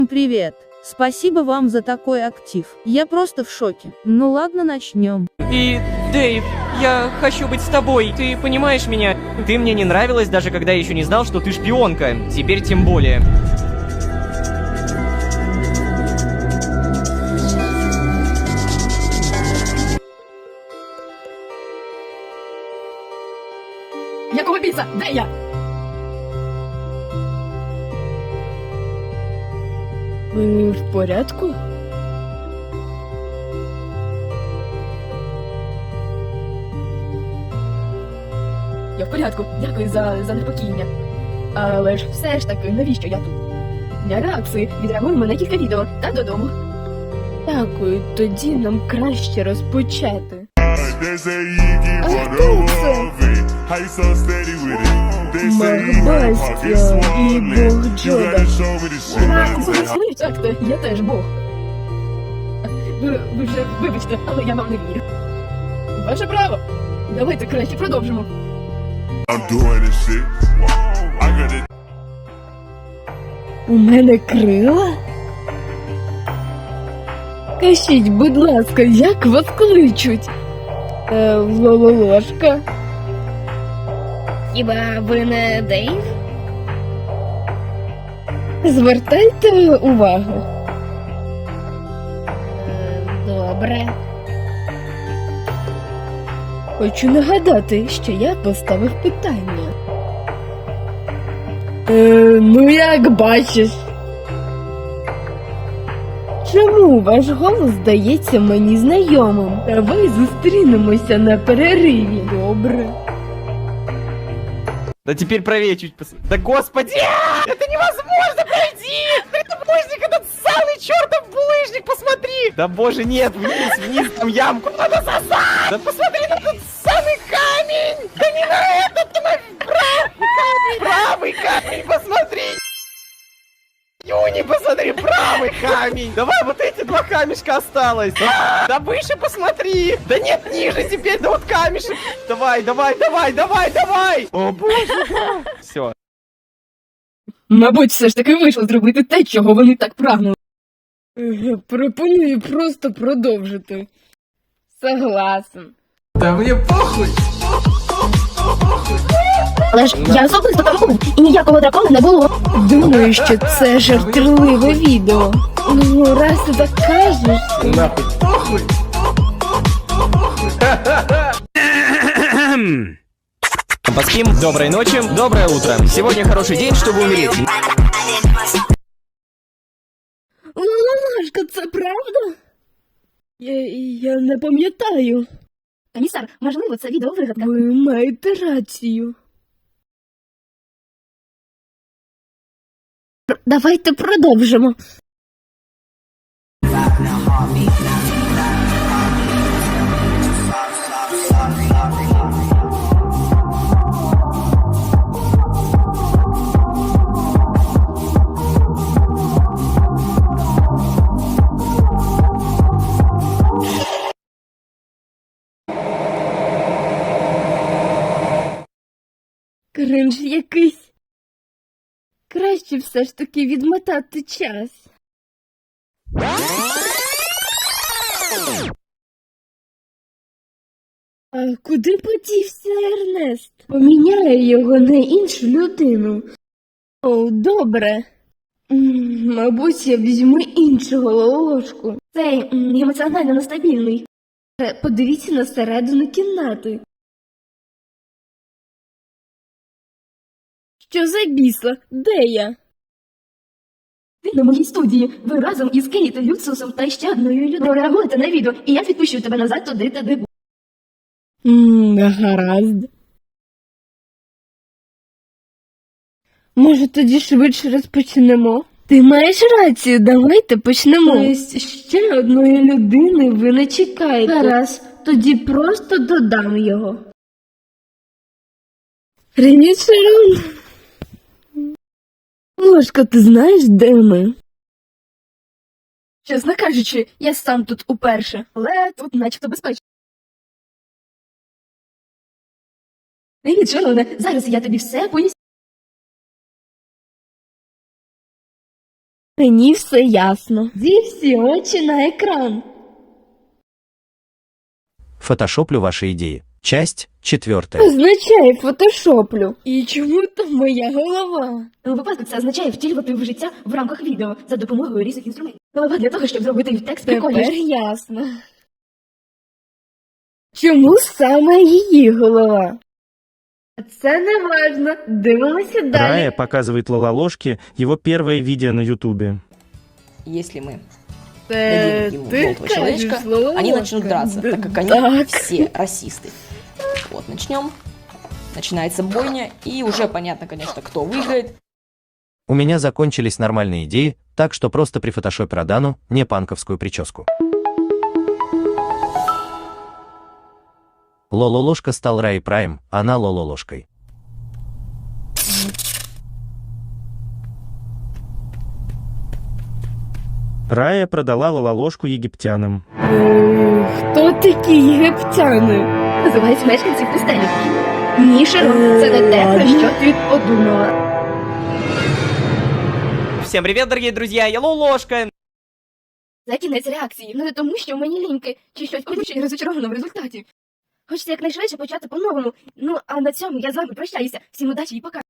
Привет. Спасибо вам за такой актив. Я просто в шоке. Ну ладно, начнем. И, Дэйв, я хочу быть с тобой, ты понимаешь меня? Ты мне не нравилась, даже когда я еще не знал, что ты шпионка. Теперь тем более. Якого біса? Де я? Ви в порядку? Я в порядку. Дякую за непокійня. Але ж все ж таки, навіщо я тут? Для реакції відреагуємо на кілька відео та додому. Дякую, тоді нам краще розпочати. Макбастя і Бог Джода. Так, я теж Бог. Ви вже вибачте, але я вам не вірю. Ваше право. Давайте краще продовжимо. У мене крила? Кажіть, будь ласка, як вас кличуть? Лололошка. Хіба ви не Дейв? Звертайте увагу. Добре. Хочу нагадати, що я поставив питання. Ну як бачиш. Чому ваш голос здається мені знайомим? Давай зустрінемося на перериві. Добре. Да теперь правее чуть Да господи! Это невозможно пройти! Это булыжник, этот самый чертов булыжник, посмотри! Да боже, нет, вниз, там ямку надо сосать! Да посмотри на этот самый камень! Да не на этот, а на правый камень, посмотри! Юни, посмотри, правый камень! Давай, вот эти два камешка осталось! Да выше посмотри! Да нет, ниже теперь, да вот камешек! Давай! О боже! Все. Мабуть, все ж таки вийшло зробити те, чого вони так прагнули. Пропоную просто продовжити. Согласен. Да мне похуй! Але ж я особисто там був, і ніякого дракона не було. Думаю, що це жартівливе відео. Ну, раз ти так кажеш. Нахуй похуй! Поспим, доброй ночи, доброе утро. Сегодня хороший день, чтобы умереть. Лололошка, це правда? Я не пам'ятаю. Комісар, можливо, це відео вигадка. Ви маєте рацію. Давайте продовжимо. Кринж якийсь. Краще все ж таки відмотати час. А куди подівся Ернест? Поміняю його на іншу людину. О, добре. Мабуть, я візьму іншого лолошку. Цей емоціонально нестабільний. Подивіться на середину кімнати. Що за бісла? Де я? Ти на моїй студії. Ви разом із Кейт, Люцусом та ще одною людиною прореагуєте на відео, і я відпущу тебе назад туди, де був. Гаразд. Може, тоді швидше розпочнемо? Ти маєш рацію, давайте почнемо. Тобто ще одної людини ви не чекаєте. Гаразд, тоді просто додам його. Привіт, Шерон. Ложка, ти знаєш, де ми? Чесно кажучи, я сам тут уперше, але тут начебто безпечно. Привіт, Шероне, зараз я тобі все поясню. Мені все ясно. Зі всі очі на екран. Фотошоплю ваши идеи. Часть 4. Означає фотошоплю. І чому там моя голова? У випадку це означає втілювати в життя в рамках відео за допомогою різних інструментів. Голова для того, щоб зробити текст Тепер прикольніше. ясно. Чому саме її голова? Це не важно. Дивимося далі. Рая показывает Лололошке его первое видео на Ютубе. Если мы Це дадим ему ти желтого человечка, кажеш, Лололошка. они начнут драться, так как они Так. все расисты. Вот, начнем. Начинается бойня, и уже понятно, конечно, кто выиграет. У меня закончились нормальные идеи, так что просто при фотошопе Родану не панковскую прическу. Лололошка стал Раей Прайм, она Лололошкой. Рая продала Лололошку египтянам. Хто такі єгиптяни? Називають мешканців пустелі. Ні, Шерон, це не те, про що ти подумала. Всем привет, дорогие друзья, я Лолошка. Це кінець реакції. Ну не тому, що мені ліньки, чи щось колюче і розочаровано в результаті. Хочеться якнайшвидше почати по-новому. Ну, а на цьому я з вами прощаюся. Всім удачі і пока.